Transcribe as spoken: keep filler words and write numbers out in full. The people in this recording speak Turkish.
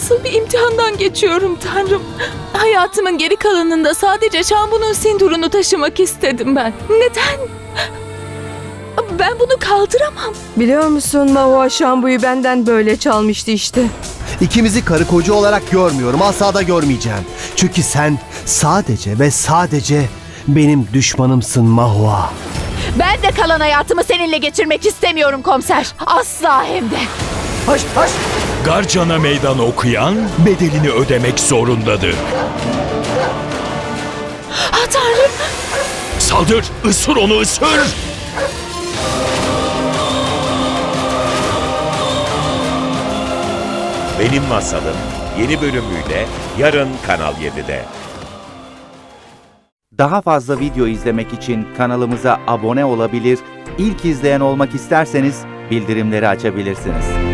nasıl bir imtihandan geçiyorum Tanrım. Hayatımın geri kalanında sadece Şambu'nun sindurunu taşımak istedim ben. Neden? Ben bunu kaldıramam. Biliyor musun, Mahua Şambu'yu benden böyle çalmıştı işte. İkimizi karı koca olarak görmüyorum. Asla da görmeyeceğim. Çünkü sen sadece ve sadece benim düşmanımsın Mahua. Ben de kalan hayatımı seninle geçirmek istemiyorum komiser. Asla hem de. Haş haş. Garcan'a meydan okuyan bedelini ödemek zorundadır. Ah Tanrım. Saldır, ısır onu, ısır! Benim Masalım yeni bölümüyle yarın Kanal yedide. Daha fazla video izlemek için kanalımıza abone olabilir, ilk izleyen olmak isterseniz bildirimleri açabilirsiniz.